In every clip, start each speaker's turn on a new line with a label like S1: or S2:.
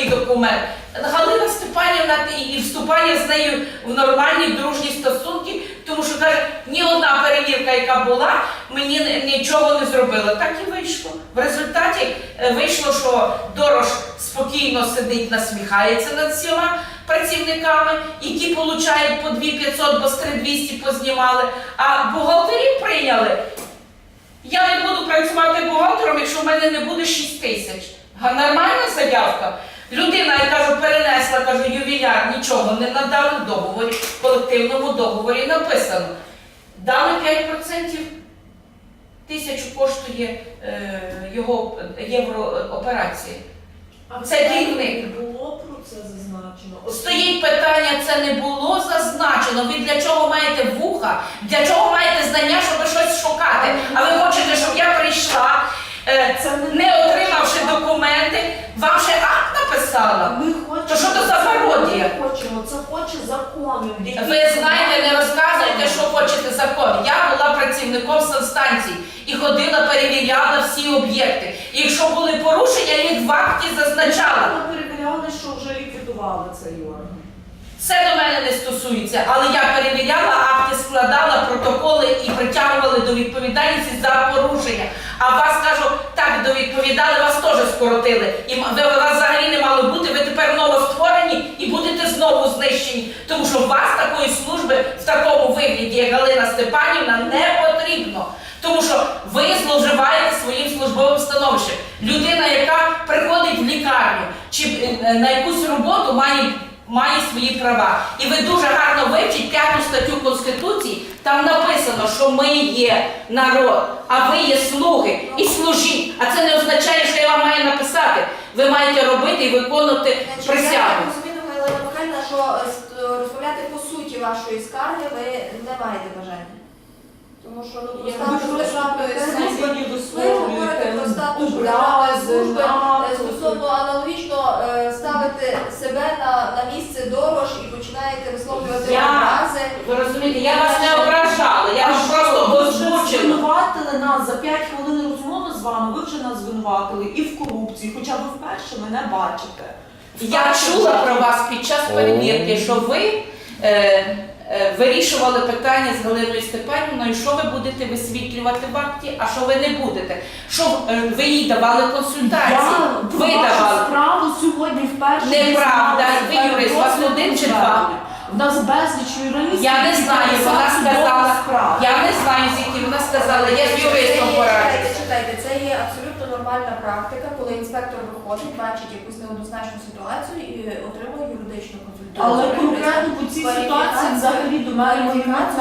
S1: такий документ. Галина Степанівна і вступає з нею в нормальні дружні стосунки, тому що каже, ні одна перевірка, яка була, мені нічого не зробила. Так і вийшло. В результаті вийшло, що Дорож спокійно сидить, насміхається над всіма працівниками, які получають по 2500, бо з 3200 познімали, а бухгалтерів прийняли. Я не буду працювати бухгалтером, якщо в мене не буде 6000. Нормальна заявка. Людина, я кажу, перенесла, кажу, ювіляр, нічого не надали в договорі, в колективному договорі написано. Дали 5%, 1000 коштує його єврооперації. Це керівник.
S2: Не було про це зазначено.
S1: Стоїть питання, це не було зазначено. Ви для чого маєте вуха? Для чого маєте знання, щоб щось шукати? А ви хочете, щоб я прийшла, не отримавши документи, вам ще акт написала?
S2: Ми хочемо,
S1: То що то за пародія?
S2: Ми хочемо, це хоче закон.
S1: Ви знаєте, не розказуйте, що хочете закон. Я була працівником санстанції і ходила, перевіряла всі об'єкти. І якщо були порушення, я їх в акті зазначала.
S2: Ми перевіряли, що вже ліквідували цей орган.
S1: Це до мене не стосується, але я перевіряла, акти складала, протоколи і притягували до відповідальності за порушення. А вас, кажу, так довідповідали, вас теж скоротили. І вас взагалі не мало бути, ви тепер новостворені і будете знову знищені. Тому що вас такої служби в такому вигляді, як Галина Степанівна, не потрібно. Тому що ви зловживаєте своїм службовим становищем. Людина, яка приходить в лікарню чи на якусь роботу, має свої права. І ви дуже гарно вивчіть 5 статтю Конституції, там написано, що ми є народ, а ви є слуги і служіть. А це не означає, що я вам маю написати. Ви маєте робити і виконувати присягу.
S3: Я розумію, Галина Михайлівна, що розмовляти по суті вашої скарги ви не маєте бажання. Тому що про статус державної служби, ви говорите про статус державної служби, стосовно аналогічно ставити себе на місце Дорож і починаєте висловлювати образи.
S1: Ви розумієте, я вас не ображала, я вас просто
S2: Ви вже
S1: озвучила.
S2: звинуватили нас за 5 хвилин розмови з вами, ви вже нас звинуватили і в корупції, хоча ви вперше мене бачите.
S1: Я чула про вас під час перевірки, що ви вирішували питання з Галиною Степанівною, що ви будете висвітлювати в акті, а що ви не будете. Що ви їй давали консультації. Ви
S2: Я вашу
S1: давали.
S2: справу сьогодні вперше.
S1: Неправда. Ви юрист, у вас один чи два?
S2: В нас безліч юристів.
S1: Я не знаю, вона сказала, я не знаю, звідки вона сказала, я з юристом пораджуся.
S3: Читайте, це є абсолютно нормальна практика, коли інспектор виходить, бачить якусь неоднозначну ситуацію і отримує юридичну консультацію.
S2: Але конкретно по цій ситуації взагалі до мене
S1: До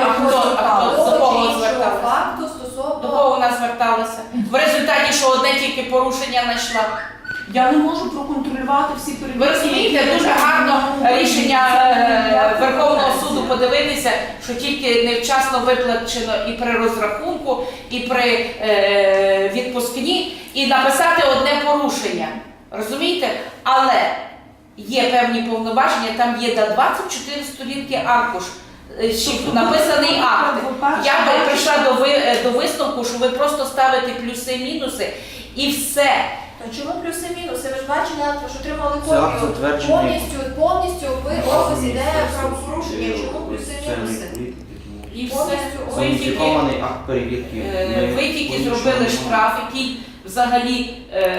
S1: кого зверталися?
S3: факту
S1: До
S3: стосовно...
S1: кого вона зверталася? В результаті, що одне тільки порушення знайшла.
S2: Я не можу проконтролювати всі перевірки.
S1: Ви розумієте, дуже гарно рішення Верховного суду подивитися, що тільки невчасно виплачено і при розрахунку, і при відпускні, і написати одне порушення. Розумієте? Але є певні повноваження, там є до 24 сторінки аркуш, написаний акт. Я би прийшла до висновку, що ви просто ставите плюси-мінуси і все.
S3: То чому плюси-мінуси? Ви ж бачили, що отримали
S4: Це акт
S3: копію.
S4: затверджений.
S3: Повністю опис іде правопорушення. Чому плюси-мінуси?
S1: І все.
S3: Повністю
S4: Уніфікований акт перевірки.
S1: Ви тільки зробили штраф, який взагалі,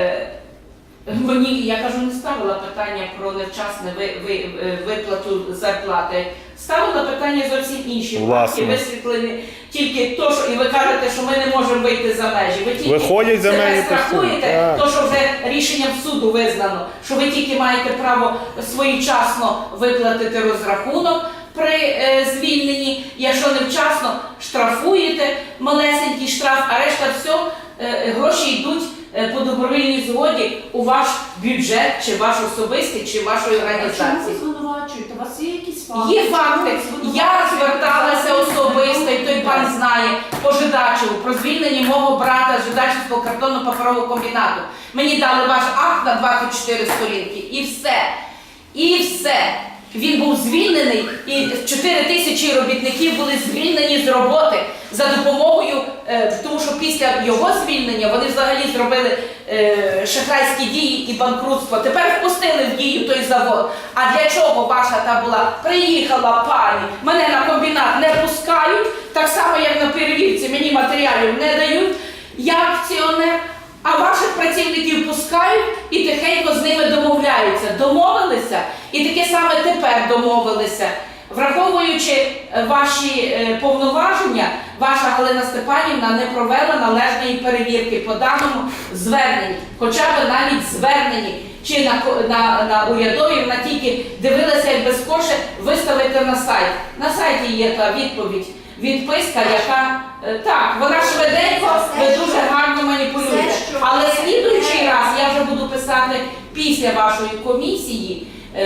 S1: мені, я кажу, не ставила питання про невчасне виплату зарплати. Ставила питання зовсім інші.
S5: Власне.
S1: І висвітлені тільки то, що, і ви кажете, що ми не можемо вийти за межі. Ви тільки
S5: Виходять за
S1: себе
S5: межі
S1: страхуєте,
S5: постійно.
S1: то, що вже рішенням суду визнано, що ви тільки маєте право своєчасно виплатити розрахунок при звільненні, якщо невчасно штрафуєте, малесенький штраф, а решта все, гроші йдуть по добровільній згоді у ваш бюджет, чи ваш особистий, чи вашої
S2: А чому ви
S1: організації.
S2: звинувачуєте? У вас є якісь факти?
S1: Є факти. Я зверталася особисто, і той пан знає, по Жидачеву, про звільнення мого брата з Жидачівського картонно-паперового комбінату. Мені дали ваш акт на 24 сторінки, і все. І все. Він був звільнений, і 4 тисячі робітників були звільнені з роботи за допомогою, тому що після його звільнення вони взагалі зробили шахрайські дії і банкрутство. Тепер впустили в дію той завод. А для чого ваша та була? Приїхала пані, мене на комбінат не пускають, так само як на перевірці мені матеріалів не дають, я акціонер. А ваших працівників пускають і тихенько з ними домовляються. Домовилися і таке саме тепер домовилися. Враховуючи ваші повноваження, ваша Галина Степанівна не провела належної перевірки по даному зверненні. Хоча б навіть зверненні чи на урядові, вона тільки дивилася, як без коше виставити на сайт. На сайті є та відповідь. Відписка, яка, так, вона швиденько, ви дуже гарно маніпулюєте. Але слідуючий раз я вже буду писати після вашої комісії,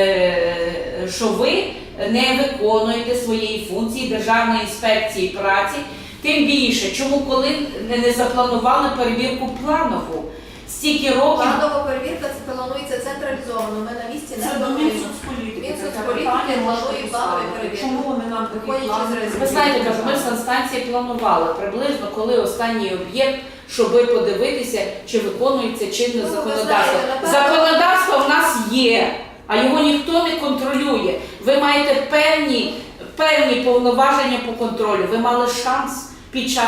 S1: що ви не виконуєте своєї функції Державної інспекції праці. Тим більше, чому коли не запланували перевірку планову? Стільки років.
S3: Планова перевірка це планується централізовано. Ми на місці не
S2: Це до
S3: плануємо.
S2: Мінсоцполітики.
S3: Мінсоцполітики планує планові перевірки.
S2: Чому вони нам такі
S3: Виходячи
S2: плани?
S3: з ризиків.
S1: Ви знаєте, кажу, ми в санстанції планували приблизно, коли останній об'єкт, щоб подивитися, чи виконується чинне
S3: Ну, ви
S1: законодавство.
S3: знаєте, напевно-
S1: Законодавство в нас є, а його ніхто не контролює. Ви маєте певні повноваження по контролю. Ви мали шанс під час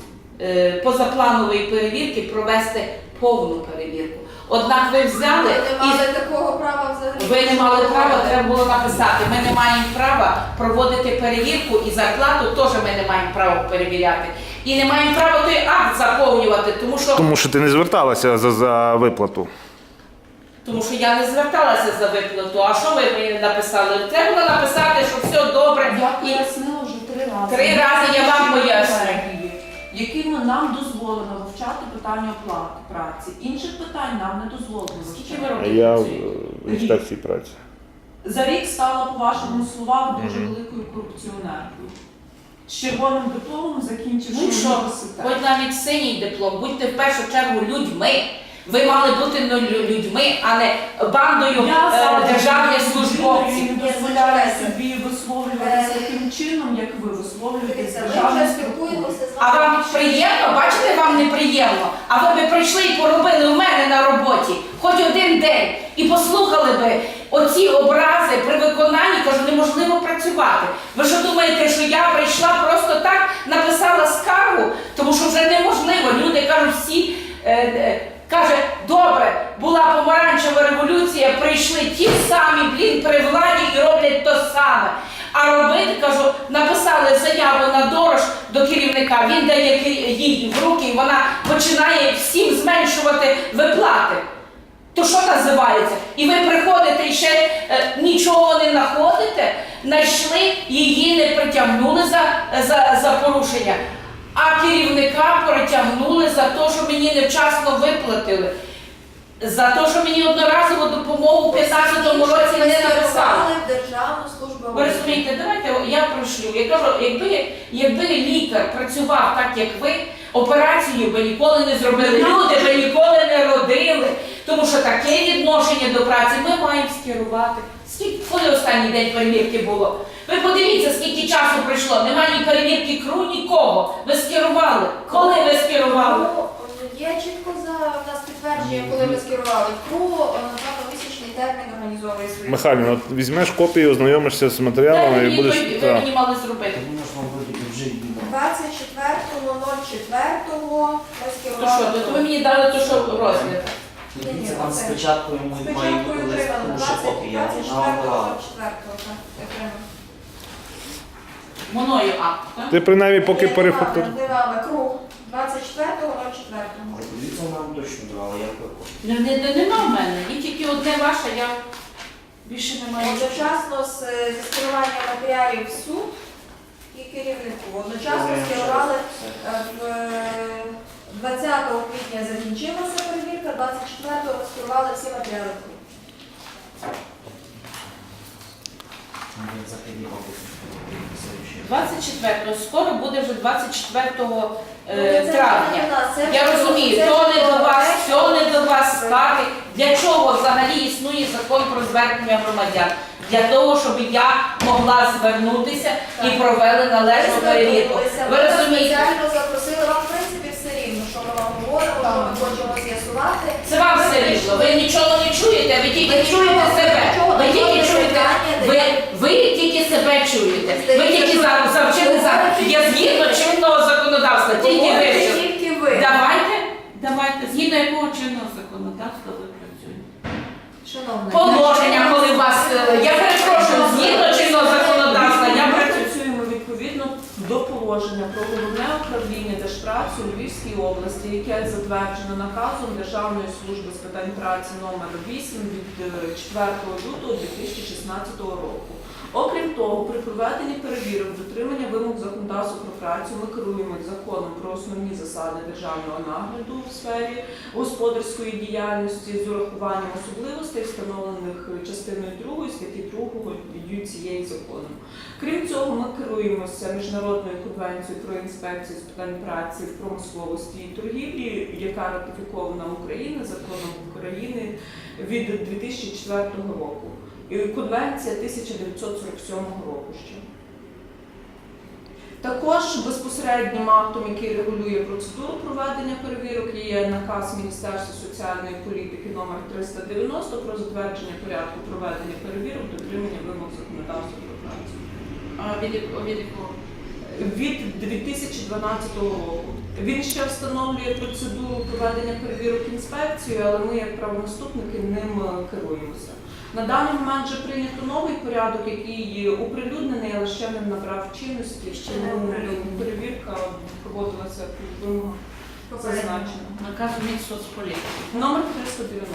S1: позапланової перевірки провести повну перевірку. Однак ви взяли
S3: Ви не
S1: і
S3: мали такого права взагалі.
S1: ви не мали права, треба було написати. Ми не маємо права проводити перевірку і зарплату теж ми не маємо права перевіряти. І не маємо права той акт заповнювати,
S5: Тому що ти не зверталася за виплату.
S1: тому що я не зверталася за виплату. А що ви мені написали? Треба було написати, що все добре.
S2: Я
S1: І
S2: пояснила вже 3 рази.
S1: 3 рази я вам пояснюю.
S2: Якими нам дозволено вивчати питання оплати праці. Інших питань нам не дозволено
S1: Скільки ви
S2: вивчати.
S1: років
S5: Я в
S1: працюєте?
S5: інспекції праці.
S2: За рік стала, по вашому словам, дуже великою корупціонеркою. З червоним дипломом закінчивши
S1: Ну що,
S2: університет.
S1: хоч навіть синій диплом, будьте в першу чергу людьми. Ви мали бути людьми, а не бандою державних службовців.
S2: Я не дозволяю собі висловлюватися таким чином, як ви висловлюєтесь
S3: Дивіться, ми
S2: державних
S3: вже спілкуємося з
S1: А
S3: вами.
S1: вам приємно? Бачите, вам неприємно. А ви б прийшли і поробили у мене на роботі хоч один день і послухали би оці образи при виконанні, кажу, неможливо працювати. Ви що думаєте, що я прийшла просто так, написала скаргу? Тому що вже неможливо. Люди кажуть всі, каже, добре, була помаранчева революція, прийшли ті самі, при владі і роблять то саме. А робити, кажу, написали заяву на Дорож до керівника, він дає їй в руки, і вона починає всім зменшувати виплати. То що називається? І ви приходите і ще нічого не знаходите, знайшли, її не притягнули за порушення, а керівника притягнули за те, що мені невчасно виплатили. За те, що мені одноразову допомогу в 2015 році не написали.
S3: В Державну службу.
S1: Ви розумієте, давайте я прошлю. Я кажу, якби лікар працював так, як ви, операцію би ніколи не зробили, люди би ніколи не родили. Тому що таке відношення до праці ми маємо скерувати. Коли останній день перевірки було? Ви подивіться, скільки часу пройшло. Немає ні перевірки КРУ, нікого. Ви скерували. Коли ви скерували?
S3: Ну, є чітко в нас підтвердження, коли ми скерували. КРУ на місячний термін організовує свої.
S5: Михайлівна, от візьмеш копію, ознайомишся з матеріалами і будеш.
S1: Ви
S5: Так.
S1: мені мали зробити.
S3: 24.04 ми
S1: То
S3: скерували.
S1: що, то ви мені дали то, що розгляд.
S3: Ні,
S4: Це вам
S3: це-
S4: спочатку йому має
S3: Спочатку
S4: бути лист,
S3: отримали
S4: тому що копія вона вам давала.
S3: 24.04.
S1: Мною акт, так?
S5: Ти принаймні поки перефактур.
S3: Дивали круг 24.04.
S4: Це нам точно давала, як ви.
S1: Нема в мене. І тільки одне ваше, я більше не маю.
S3: Одночасно зі скеруванням матеріалів в суд і керівнику. Одночасно скерували в 20 квітня закінчилася перевірка, 24-го скерували всі матеріали.
S4: Він західний опис.
S1: 24-го, скоро буде вже 24
S3: Це
S1: травня.
S3: не до нас, це
S1: Я
S3: до-
S1: розумію,
S3: це
S1: то не
S3: до
S1: до вас,
S3: проекту.
S1: все не до вас, скарги. Для чого взагалі існує закон про звернення громадян? Для того, щоб я могла звернутися і провели належну перевірку. Ви розумієте?
S3: Спеціально запросили вам, в принципі, все рівно, що ми вам говоримо, що ми хочемо з'ясувати.
S1: Це вам все рівно. Ви нічого не чуєте, ви тільки чуєте себе. Ви тільки чуєте, ви тільки себе чуєте. Ви тільки завчили зараз. Я згідно чинного законодавства, тільки вивчили.
S3: Тільки ви.
S1: Давайте, згідно якого чинного законодавства ви працюєте?
S3: Шановна,
S1: Положення, коли вас, я перепрошую, згідно чинного законодавства, я
S2: Ми
S1: працюю.
S2: працюємо відповідно до положення про головне управління Держпраці у Львівській області, яке затверджено наказом Державної служби з питань праці номер 8 від 4 лютого 2016 року. Окрім того, при проведенні перевірок дотримання вимог законодавства про працю ми керуємося законом про основні засади державного нагляду в сфері господарської діяльності з урахуванням особливостей, встановлених частиною 2 статті 2 цієї закону. Крім цього, ми керуємося Міжнародною конвенцією про інспекцію з питань праці в промисловості і торгівлі, яка ратифікована Україною законом України від 2004 року. І Конвенція 1947 року ще. Також безпосереднім актом, який регулює процедуру проведення перевірок, є наказ Міністерства соціальної політики номер 390 про затвердження порядку проведення перевірок, дотримання вимог законодавства про працю.
S1: Від якого?
S2: Від 2012 року. Він ще встановлює процедуру проведення перевірок інспекцією, але ми, як правонаступники, ним керуємося. На даний момент вже прийнято новий порядок, який оприлюднений, але ще не набрав чинності. Ще не перевірка проводилася під вимогами зазначено.
S1: Наказ Мінсоцполітики.
S2: Номер 390.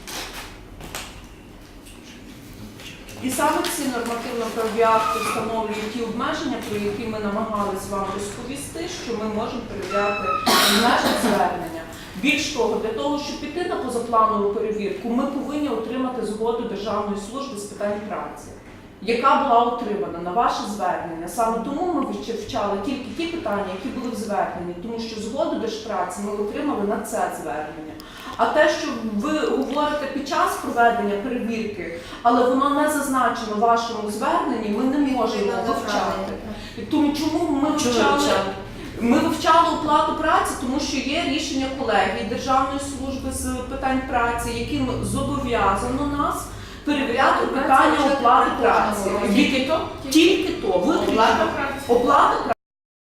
S2: І саме ці нормативно-правові акти встановлюють ті обмеження, про які ми намагалися вам розповісти, що ми можемо перевіряти наші звернення. Більш того, для того, щоб піти на позапланову перевірку, ми повинні отримати згоду Державної служби з питань праці, яка була отримана на ваше звернення. Саме тому ми вивчали тільки ті питання, які були в зверненні, тому що згоду Держпраці ми отримали на це звернення. А те, що ви говорите під час проведення перевірки, але воно не зазначено в вашому зверненні, ми не можемо вивчати. Тому чому ми вивчали? Ми вивчали оплату праці, тому що є рішення колегії Державної служби з питань праці, яким зобов'язано нас перевіряти питання оплати праці.
S1: Тільки то?
S2: Тільки то.
S1: Оплата праці.
S2: Оплата праці.